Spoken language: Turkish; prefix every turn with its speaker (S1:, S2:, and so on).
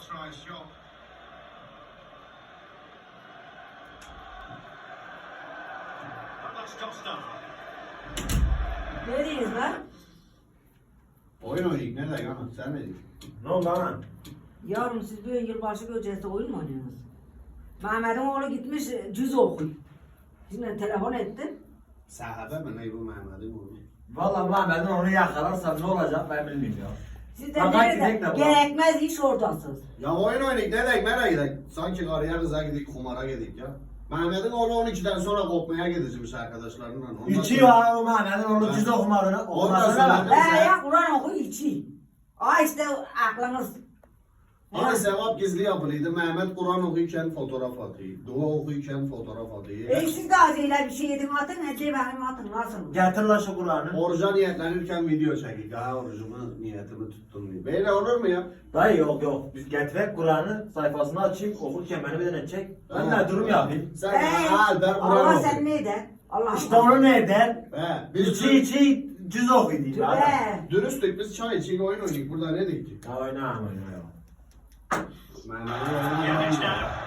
S1: try a shot. That looks top stuff.
S2: Neredeyiz lan?
S3: Oyun oynayık ne demek ana sen ne diyorsun?
S4: Ne oldu lan?
S2: Yavrum siz bir yılbaşı gecesi oyun mu oynuyorsunuz? Mehmet'in oğlu gitmiş cüz okuyor. Şimdi telefon ettim.
S3: Sahabe mi ne bu Mehmet'in oğlu?
S4: Valla Mehmet'in onu yakalarsam ne olacak ben bilmiyorum ya.
S2: Siz de
S4: Bak,
S2: nerede?
S4: gidecek de bu.
S2: Gerekmez iş oradasınız.
S3: Ya oyun oynayık ne demek nereye gidelim? Sanki karıya kıza gidik kumara gidik ya. Mehmet'in oğlu 12'den sonra kopmaya gidecekmiş arkadaşlarından. Ondan
S4: İçiyor
S3: sonra-
S4: ha o Mehmet'in onu cüz okumadığını. Okumasına
S3: sonra-
S4: bak.
S2: Ya Kur'an oku içi. Aa işte aklınız.
S3: Hani sevap gizli yapılıydı. Mehmet Kur'an okuyken fotoğraf atıyor. Dua okuyken fotoğraf atıyor.
S2: Siz de acıyla bir şey yedin atın, Ece benim atın nasıl?
S4: Getir lan şu Kur'an'ı.
S3: Oruca niyetlenirken video çekik. Ha orucumu niyetimi tuttum diye. Böyle olur mu ya?
S4: Dayı yok. Biz getirek Kur'an'ı sayfasını açayım okurken beni bir tane çek. Ben de durum yapayım.
S3: Sen ha ben Kur'an
S2: Allah
S3: okuyayım.
S2: sen neyden? Allah
S4: İşte onu ne eder?
S3: He, biz
S4: İçi cüz okuyayım. Adam.
S2: Tübe.
S3: dürüstlük biz çay içik oyun oynayık. Burada ne diktik?
S4: Ya oyna.
S3: Mehmet'in oğlu
S1: Yeah,
S3: ne
S1: it's
S3: oynuyor?
S1: now.